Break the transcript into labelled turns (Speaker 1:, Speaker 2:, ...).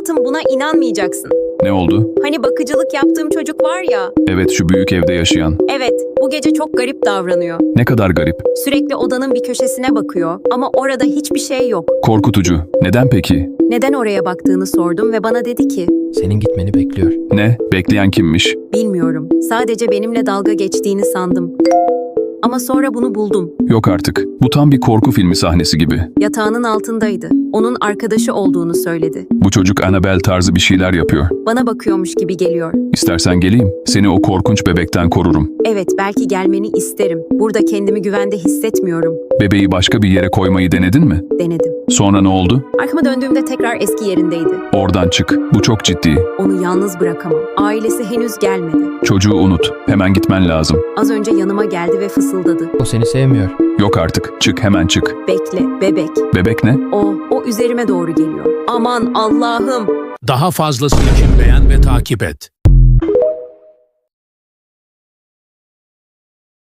Speaker 1: Hayatım, buna inanmayacaksın.
Speaker 2: Ne oldu?
Speaker 1: Hani bakıcılık yaptığım çocuk var ya.
Speaker 2: Evet, şu büyük evde yaşayan.
Speaker 1: Evet, bu gece çok garip davranıyor.
Speaker 2: Ne kadar garip.
Speaker 1: Sürekli odanın bir köşesine bakıyor ama orada hiçbir şey yok.
Speaker 2: Korkutucu. Neden peki?
Speaker 1: Neden oraya baktığını sordum ve bana dedi ki,
Speaker 3: Senin gitmeni bekliyor.
Speaker 2: Ne? Bekleyen kimmiş?
Speaker 1: bilmiyorum. Sadece benimle dalga geçtiğini sandım. Ama sonra bunu buldum.
Speaker 2: Yok artık. Bu tam bir korku filmi sahnesi gibi.
Speaker 1: Yatağının altındaydı. Onun arkadaşı olduğunu söyledi.
Speaker 2: Bu çocuk Annabelle tarzı bir şeyler yapıyor.
Speaker 1: Bana bakıyormuş gibi geliyor.
Speaker 2: İstersen geleyim. Seni o korkunç bebekten korurum.
Speaker 1: Evet, belki gelmeni isterim. Burada kendimi güvende hissetmiyorum.
Speaker 2: Bebeği başka bir yere koymayı denedin mi?
Speaker 1: Denedim.
Speaker 2: Sonra ne oldu?
Speaker 1: Arkama döndüğümde tekrar eski yerindeydi.
Speaker 2: Oradan çık. Bu çok ciddi.
Speaker 1: Onu yalnız bırakamam. Ailesi henüz gelmedi.
Speaker 2: Çocuğu unut. Hemen gitmen lazım.
Speaker 1: Az önce yanıma geldi ve fısıldadı.
Speaker 3: O seni sevmiyor.
Speaker 2: Yok artık. Çık, hemen çık.
Speaker 1: Bekle, bebek.
Speaker 2: Bebek ne?
Speaker 1: O üzerime doğru geliyor. Aman Allah'ım!
Speaker 4: Daha fazlası için beğen ve takip et.